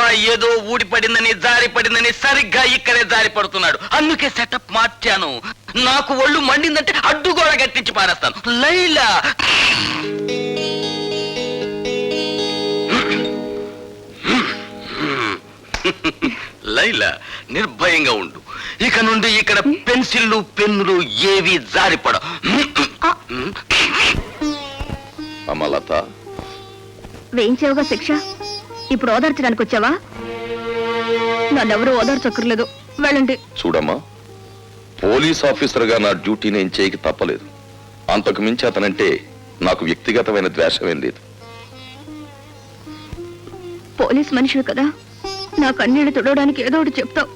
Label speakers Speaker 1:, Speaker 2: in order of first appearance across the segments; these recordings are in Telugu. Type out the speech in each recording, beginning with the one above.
Speaker 1: ఏదో ఊడిపడిందని జారి పడిందని సరిగ్గా ఇక్కడే జారి పడుతున్నాడు. అందుకే సెటప్ మార్చాను. నాకు ఒళ్ళు మండిందంటే అడ్డుగోడ గట్టించి పారేస్తాను. లైలా లైలా నిర్భయంగా ఉండు. ఇక నుండి ఇక్కడ పెన్సిళ్ళు పెన్నులు ఏవి జారిపడ.
Speaker 2: అమలత,
Speaker 3: వేయించావుగా శిక్ష, ఇప్పుడు ఓదార్చడానికి వచ్చావా? నన్నెవరూ ఓదార్చక్కర్లేదు, వెళ్ళండి.
Speaker 2: చూడమ్మా, పోలీస్ ఆఫీసర్గా నా డ్యూటీ నేను చేయక తప్పలేదు. అంతకు మించి అతనంటే నాకు వ్యక్తిగతమైన ద్వేషమేం లేదు.
Speaker 3: పోలీస్ మనిషివి కదా, నా కన్నీళ్లు తుడవడానికి ఏదో ఒకటి చెప్తావు.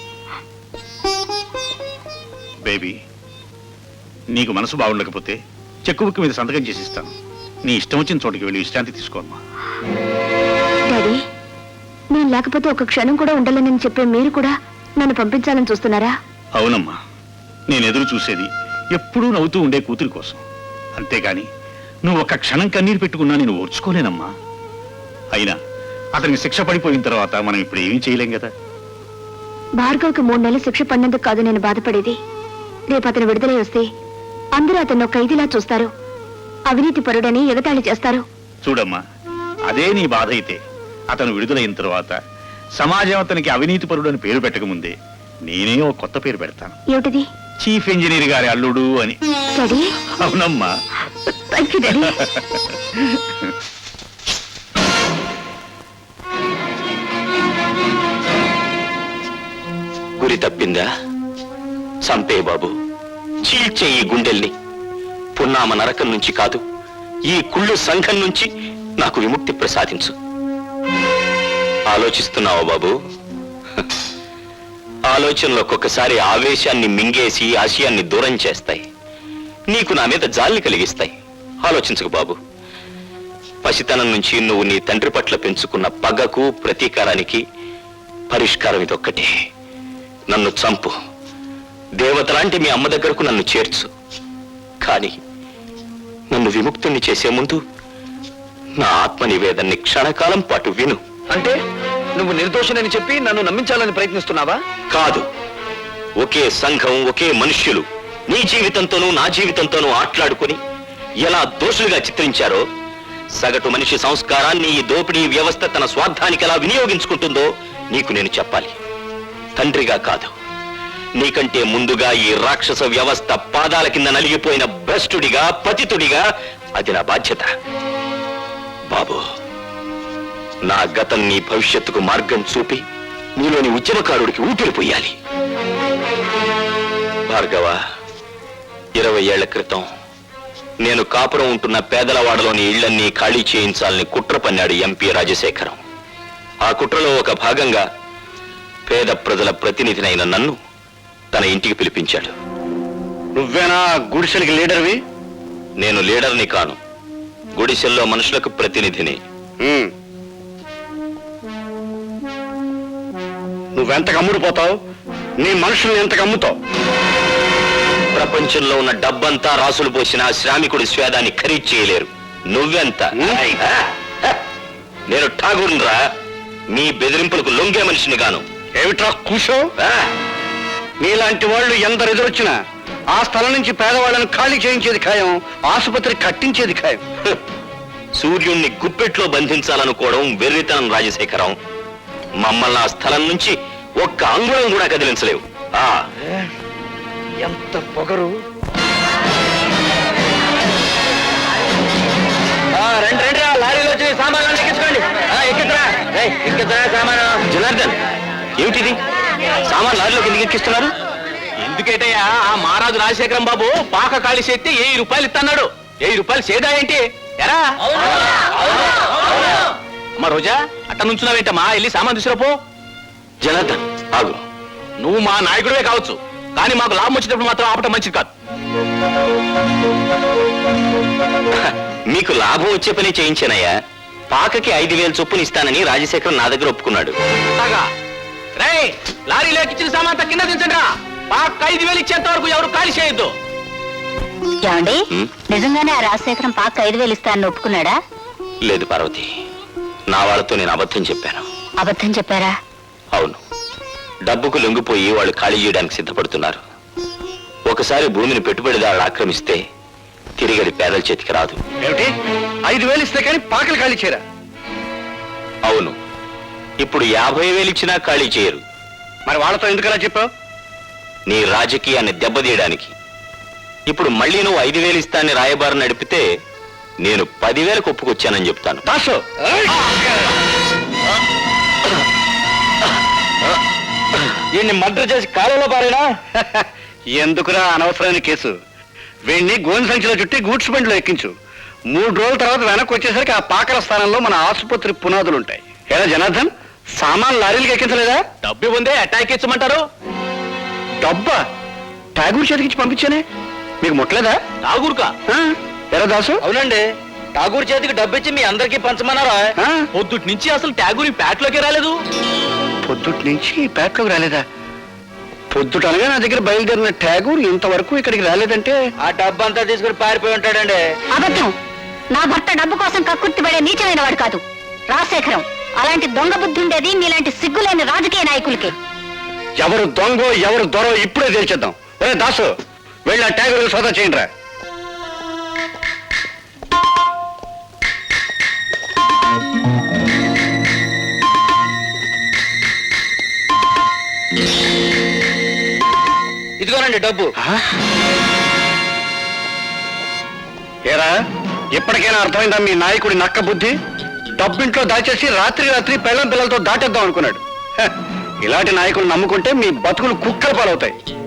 Speaker 4: బేబీ, నీకు మనసు బాగుండకపోతే చెక్కు బుక్ మీద సంతకం చేసి ఇస్తాను. నీ ఇష్టం వచ్చిన చోటికి వెళ్ళి విశ్రాంతి తీసుకోమ్మా.
Speaker 3: డాడీ, నేను లేకపోతే ఒక క్షణం కూడా ఉండాలని చెప్పే మీరు కూడా నన్ను పంపించాలని చూస్తున్నారా?
Speaker 4: అవునమ్మా, నేను ఎదురు చూసేది ఎప్పుడూ నవ్వుతూ ఉండే కూతురి కోసం. అంతేగాని నువ్వు ఒక్క క్షణం కన్నీరు పెట్టుకున్నా నేను ఓర్చుకోలేనమ్మా. అయినా అతనికి శిక్ష పడిపోయిన తర్వాత మనం ఇప్పుడు ఏమీ చేయలేం కదా.
Speaker 3: భార్గవ్కి 3 నెలలు శిక్ష పడినందుకు కాదు నేను బాధపడేది. రేపు అతను విడుదలై వస్తే అందరూ అతను ఖైదీలా చూస్తారు, అవినీతి పరుడని ఎగతాళి చేస్తారు.
Speaker 4: చూడమ్మా, అదే నీ బాధ అయితే అతను విడుదలైన తర్వాత సమాజం అతనికి అవినీతి పరుడు అని పేరు పెట్టకముందే నేనే ఒక కొత్త పేరు పెడతాను.
Speaker 3: ఏమిటిది?
Speaker 4: చీఫ్ ఇంజనీర్ గారి అల్లుడు అని.
Speaker 3: డాడీ?
Speaker 4: అవునమ్మా.
Speaker 3: Thank you daddy.
Speaker 1: గురి తప్పిందా? సంపే బాబు, చీల్చే ఈ గుండెల్ని. పున్నామ నరకం నుంచి కాదు, ఈ కుళ్ళు సంఘం నుంచి నాకు విముక్తి ప్రసాదించు. ఆలోచిస్తున్నావా బాబు? ఆలోచనలో ఒక్కొక్కసారి ఆవేశాన్ని మింగేసి ఆశయాన్ని దూరం చేస్తాయి. నీకు నా మీద జాలిని కలిగిస్తాయి. ఆలోచించకు బాబు. పసితనం నుంచి నువ్వు నీ తండ్రి పట్ల పెంచుకున్న పగకు ప్రతీకారానికి పరిష్కారం ఇదొక్కటే. నన్ను చంపు, దేవతలాంటి మీ అమ్మ దగ్గరకు నన్ను చేర్చు. కానీ నన్ను విముక్తుణ్ణి చేసే ముందు నా ఆత్మ నివేదన్ని క్షణకాలం పాటు విను.
Speaker 5: అంటే నువ్వు నిర్దోషినని చెప్పి నన్ను నమ్మించాలని ప్రయత్నిస్తున్నావా?
Speaker 1: కాదు, ఒకే సంఘం, ఒకే మనుష్యులు నీ జీవితంతోనూ నా జీవితంతోనూ ఆట్లాడుకుని ఎలా దోషులుగా చిత్రించారో, సగటు మనిషి సంస్కారాన్ని ఈ దోపిడీ వ్యవస్థ తన స్వార్థానికి ఎలా వినియోగించుకుంటుందో నీకు నేను చెప్పాలి. తండ్రిగా కాదు, నీకంటే ముందుగా ఈ రాక్షస వ్యవస్థ పాదాల కింద నలిగిపోయిన భ్రష్టుడిగా, పతితుడిగా అది నా బాధ్యత. బాబు, నా గతం నీ భవిష్యత్తుకు మార్గం చూపి నీలోని ఉద్యమకారుడికి ఊపిరి పొయ్యాలి. భార్గవ, 20 ఏళ్ల క్రితం నేను కాపురం ఉంటున్న పేదలవాడలోని ఇళ్లన్నీ ఖాళీ చేయించాలని కుట్ర పన్నాడు ఎంపీ రాజశేఖరం. ఆ కుట్రలో ఒక భాగంగా పేద ప్రజల ప్రతినిధినైన నన్ను తన ఇంటికి పిలిపించాడు.
Speaker 4: నువ్వేనా గుడిసెలకి లీడర్వి?
Speaker 1: నేను లీడర్ని కాను, గుడిసెల్లో మనుషులకు ప్రతినిధిని.
Speaker 4: నువ్వెంతకు అమ్ముడుపోతావు? నీ మనుషుల్ని ఎంతకు అమ్ముతావు?
Speaker 1: ప్రపంచంలో ఉన్న డబ్బంతా రాసులు పోసిన శ్రామికుడి స్వేదాన్ని ఖరీదు చేయలేరు. నువ్వెంత? నేను ఠాగూర్రా, మీ బెదిరింపులకు లొంగే మనిషిని గాను.
Speaker 4: ఏమిట్రా కూసో? నీలాంటి వాళ్ళు ఎందరు ఎదురొచ్చినా ఆ స్థలం నుంచి పేదవాళ్ళను ఖాళీ చేయించేది ఖాయం, ఆసుపత్రి కట్టించేది ఖాయం.
Speaker 1: సూర్యుణ్ణి గుప్పెట్లో బంధించాలనుకోవడం వెర్రితనం రాజశేఖరం. మమ్మల్ని ఆ స్థలం నుంచి ఒక్క అంగుళం కూడా కదిలించలేవు.
Speaker 5: ఎంత పొగరు! రండి, లారీలో వచ్చి సామాన్లు ఎక్కించుకోండి. ఎక్కిద్రా సామాను.
Speaker 1: జనార్దన్, ఏమిటిది? సామాన్ లారీలోకి ఎందుకు ఎక్కిస్తున్నారు?
Speaker 5: ఎందుకేటయ్యా, ఆ మహారాజు రాజశేఖరం బాబు పాక ఖాళీ చేస్తే 1000 రూపాయలు ఇస్తున్నాడు. 1000 రూపాయలు సేదా ఏంటి? ఎరా అమ్మా రోజా, అట్ట నుంచున్నావేంటమ్మా? వెళ్ళి సామాన్ తీసుకురాపో.
Speaker 1: జనార్దన్ ఆగు.
Speaker 5: నువ్వు మా నాయకుడివే కావచ్చు, కానీ మాకు లాభం వచ్చినప్పుడు మాత్రం ఆపటం మంచిది కాదు.
Speaker 1: మీకు లాభం వచ్చే పని చేయించానయ్యా. పాకకి 5000 చొప్పున ఇస్తానని రాజశేఖరం నా దగ్గర ఒప్పుకున్నాడు.
Speaker 5: లారీలో ఎక్కించిన సామాన్ కింద దించండి. పాక 5000 ఇచ్చేంత వరకు ఎవరు ఖాళీ చేయొద్దు.
Speaker 3: ఏమండి, నిజంగానే ఆ రాజశేఖరం పాక 5000 ఇస్తానని ఒప్పుకున్నాడా?
Speaker 1: లేదు పార్వతి, నా వాళ్ళతో నేను అబద్ధం చెప్పాను.
Speaker 3: అబద్ధం చెప్పారా?
Speaker 1: అవును, డబ్బుకు లొంగిపోయి వాళ్ళు ఖాళీ చేయడానికి సిద్ధపడుతున్నారు. ఒకసారి భూమిని పెట్టుబడిదారులు ఆక్రమిస్తే తిరిగి అది పేదల చేతికి రాదు.
Speaker 5: ఏమిటి 5,000 ఇస్తే కానీ పాకలు ఖాళీ చేయరా?
Speaker 1: అవును, ఇప్పుడు 50,000 ఇచ్చినా ఖాళీ చేయరు.
Speaker 5: మరి వాళ్ళతో ఎందుకలా చెప్పావు?
Speaker 1: నీ రాజకీయాన్ని దెబ్బతీయడానికి. ఇప్పుడు మళ్ళీ నువ్వు 5,000 ఇస్తాన్ని రాయబారం నడిపితే నేను 10,000 ఒప్పుకొచ్చానని చెప్తాను.
Speaker 5: దాసు
Speaker 1: ఈయన్ని మర్డర్ చేసి కాలంలో పారేనా?
Speaker 5: ఎందుకురా అనవసరమైన కేసు? వీణ్ణి గోని సంచిలో చుట్టి గూడ్స్ బండిలో ఎక్కించు. 3 రోజుల తర్వాత వెనక్కి వచ్చేసరికి ఆ పాకల స్థానంలో మన ఆసుపత్రి పునాదులు ఉంటాయి. ఏరా జనార్దన్, సామాన్ లారీలకు ఎక్కించలేదా?
Speaker 1: డబ్బు ఉందే అటాక్ ఇచ్చమంటారు.
Speaker 5: డబ్బా ఠాగూర్ చేతికిచ్చి పంపించానే, మీకు ముట్టలేదా?
Speaker 1: ఠాగూర్కా?
Speaker 5: ఎరా దాసు?
Speaker 1: అవునండి, ఠాగూర్ చేతికి డబ్బిచ్చి మీ అందరికీ పంచమన్నారా?
Speaker 5: ఆ?
Speaker 1: పొద్దుటి నుంచి అసలు ఠాగూర్ ఈ ప్యాట్లోకి రాలేదు.
Speaker 5: పొద్దుటి నుంచి పేటలోకి రాలేదా? పొద్దుటనగా నా దగ్గర బయలుదేరిన ఠాగూర్ ఇంతవరకు ఇక్కడికి రాలేదంటే
Speaker 1: ఆ డబ్బు అంతా తీసుకుని పారిపోయి ఉంటాడండి.
Speaker 3: అబద్ధం. నా భర్త డబ్బు కోసం కక్కుర్తిపడే నీచమైన వాడు కాదు రాజశేఖరం. అలాంటి దొంగ బుద్ధి ఉండేది మీలాంటి సిగ్గులేని రాజకీయ నాయకులకి.
Speaker 5: ఎవరు దొంగో ఎవరు దొరో ఇప్పుడే తేల్చేద్దాం. ఒరే దాసు, వెళ్ళి ఆ ఠాగూర్ సోదా చేయండి రా.
Speaker 1: ఇదిగోనండి డబ్బు.
Speaker 5: ఏరా, ఇప్పటికైనా అర్థమైందా మీ నాయకుడి నక్క బుద్ధి? డబ్బింట్లో దాచేసి రాత్రి పెళ్ళం పిల్లలతో దాటేద్దాం అనుకున్నాడు. హ, ఇలాంటి నాయకులు నమ్ముకుంటే మీ బతుకులు కుక్కల పాలవుతాయి.